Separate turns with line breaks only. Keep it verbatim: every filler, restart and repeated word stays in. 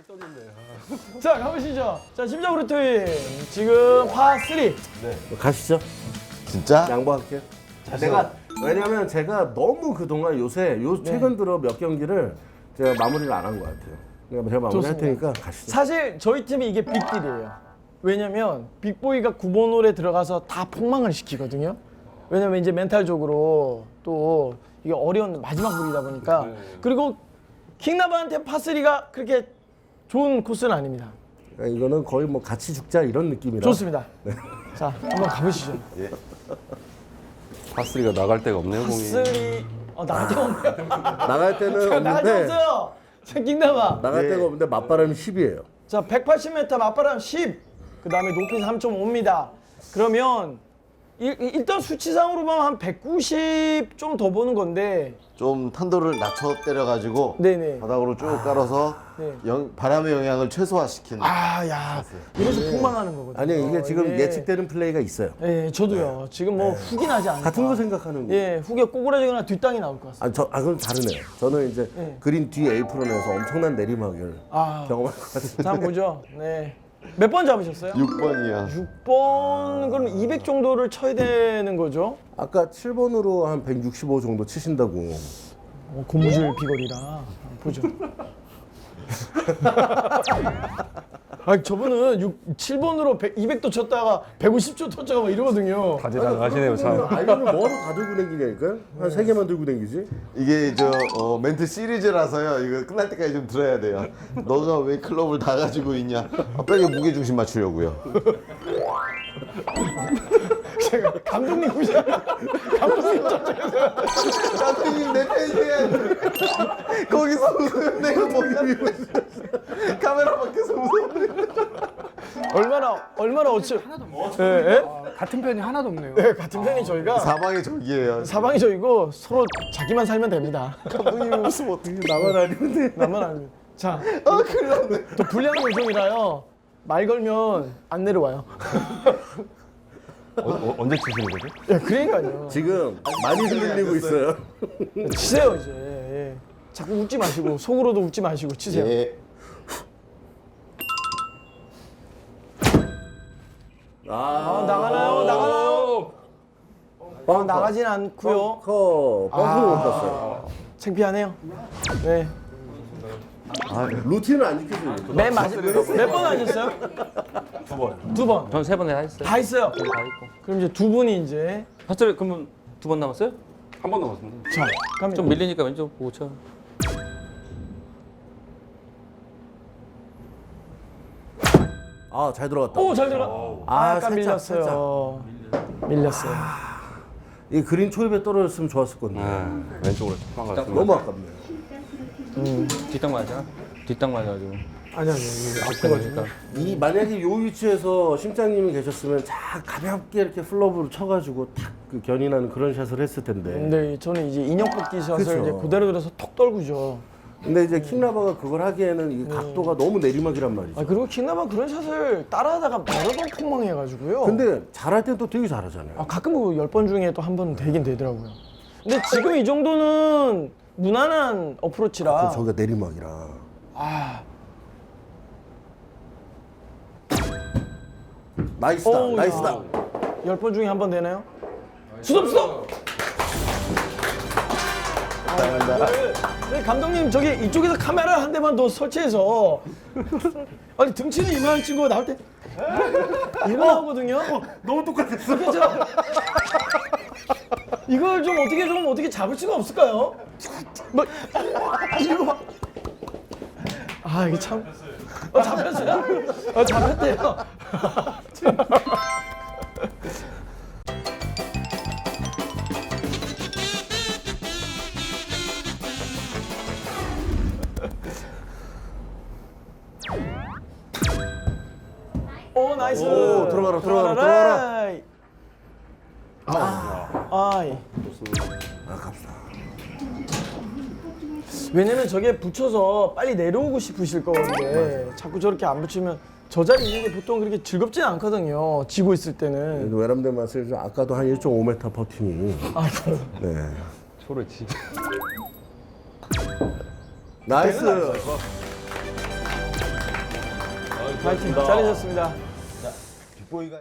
자, 가보시죠. 자, 심장으로 트윈. 지금 파삼.
네.
가시죠.
진짜?
양보할게요. 자, 내가 왜냐면 제가 너무 그동안 요새 요 최근 들어 몇 경기를 제가 마무리를 안 한 것 같아요. 그러니까 제가 마무리 할 테니까 가시죠.
사실 저희 팀이 이게 빅딜이에요. 왜냐면 빅보이가 구 번 홀에 들어가서 다 폭망을 시키거든요. 왜냐면 이제 멘탈적으로 또 이게 어려운 마지막 홀이다 보니까. 그리고 킹나바한테 파삼가 그렇게 좋은 코스는 아닙니다.
그러니까 이거는 거의 뭐 같이 죽자 이런 느낌이라.
좋습니다. 자, 한번 가보시죠.
파삼가 나갈 데가 없네요, 공이.
파삼. 어, 나갈 데가 없네요.
나갈 때는
나갈 데
없는데
없어요. 자, 킹나바.
나갈
예.
데가 없는데 맞바람이 십이에요.
자, 백팔십 미터 맞바람 십. 그 다음에 높이 삼 점 오입니다. 그러면 일, 일단 수치상으로 보면 한 백구십 좀 더 보는 건데.
좀 탄도를 낮춰 때려가지고
네네.
바닥으로 쭉 깔아서
네.
영, 바람의 영향을 최소화시키는.
아, 야. 이래서 폭망하는 거거든요.
아니 이게 지금
예.
예측되는 플레이가 있어요.
예, 저도요. 지금 뭐 훅이 나지 않을까.
같은 거 생각하는 거.
예, 훅에 꼬꾸라지거나 뒷땅이 나올 것 같습니다.
아, 저, 아, 그건 다르네요. 저는 이제
네.
그린 뒤 에이프론에서 엄청난 내리막을
아,
경험할 것 같은데.
자, 한번 보죠. 네. 몇 번 잡으셨어요?
육 번이야.
육 번, 그럼 이백 정도를 쳐야 되는 거죠?
아까 칠 번으로 한 백육십오 정도 치신다고.
어, 고무줄 비거리라. 한번 보죠. 아, 저분은 육, 칠 번으로 이백도 쳤다가 백오십 초 쳤다가 막 이러거든요.
다재다능하시네요, 참.
아이언을 뭐하러 다 들고 다니냐니까요? 한 세 개만 들고 다니지?
이게 저 어, 멘트 시리즈라서요. 이거 끝날 때까지 좀 들어야 돼요. 너가 왜 클럽을 다 가지고 있냐? 아, 빨리 무게 중심 맞추려고요.
제가 감독님 보시면 감독님 저쪽에서
감독님 내 팬이야. 거기서 웃으면 내가 뭐야? 카메라 밖에서 웃으면.
얼마나 얼마나 어찌
하나도 없네요.
예, 예?
같은 편이 하나도 없네요.
네, 같은 편이 저희가
사방의 적이에요.
사방이 저희고 서로 자기만 살면 됩니다.
감독님이 웃으면 어떡해.
나만 아니는데.
나만 알면. 자,
아 큰일 났네.
또 불량 요정이라요. 말 걸면 안 내려와요.
어, 어, 언제 치시는 거죠?
예, 그러니까요.
지금 많이 흔들리고 있어요.
치세요 이제. 예. 자꾸 웃지 마시고 속으로도 웃지 마시고 치세요.
예.
아, 나가나요? 나가나요? 어, 나가진 않고요.
커, 뻥커 못 봤어요.
창피하네요. 네.
아, 루틴을 안 지켜줘요.
맨 마지막 몇 번 하셨어요?
두 번.
두 번.
전 세 번 다 했어요.
다 했어요.
다 했고.
그럼 이제 두 분이 이제
파스를 그러면 두 번 남았어요?
한 번 남았습니다.
자, 갑니다.
좀 밀리니까 왼쪽 보고 쳐.
아, 잘 들어갔다.
오, 잘 들어. 아,
아,
아까
살짝,
밀렸어요. 밀렸어요.
이 그린 초입에 떨어졌으면 좋았을 건데.
네, 왼쪽으로 방 갔습니다.
너무 아깝네.
뒷땅 맞아. 뒷땅 맞아가지고.
아니 아니, 이게 아프거든요.
이 만약에 요 위치에서 심장님이 계셨으면 자 가볍게 이렇게 플러브로 쳐가지고 탁 그 견인하는 그런 샷을 했을 텐데.
근데 저는 이제 인형 뽑기 샷을
그쵸.
이제 그대로 들어서 톡 떨구죠.
근데 이제 킹라바가 그걸 하기에는 이 각도가 너무 내리막이란 말이죠.
아, 그리고 킹나만 그런 샷을 따라하다가 여러 번 폭망해가지고요.
근데 잘할 땐 또 되게 잘하잖아요.
아, 가끔 그 열 번 중에 또 한 번은 되긴 되더라고요. 근데 지금 이 정도는 무난한 어프로치라.
그 저기가 내리막이라.
아,
나이스다,
어우,
나이스다.
열 번 중에 한 번 되나요? 수톱 수톱. 아, 네, 감독님 저기 이쪽에서 카메라 한 대만 더 설치해서 아니 등치는 이만한 친구가 나올 때 이거 나오거든요.
너무 똑같았어.
그렇죠? 이걸 좀 어떻게 좀 어떻게 잡을 수가 없을까요? 뭐 이거 막. 아 이게 참. 어, 잡혔어요? 어, 잡혔대요. 오 나이스.
오, 들어가라, 들어가라, 들어가라.
아, 아이.
아깝다.
왜냐면 저게 붙여서 빨리 내려오고 싶으실 거건데 자꾸 저렇게 안 붙이면 저 자리 있는 게 보통 그렇게 즐겁진 않거든요. 지고 있을 때는.
외람돼 맛을 좀 아까도 한 일 점 오 미터 퍼팅이.
아이고.
네.
초를 치.
나이스.
파이팅. 잘하셨습니다.
빅보이가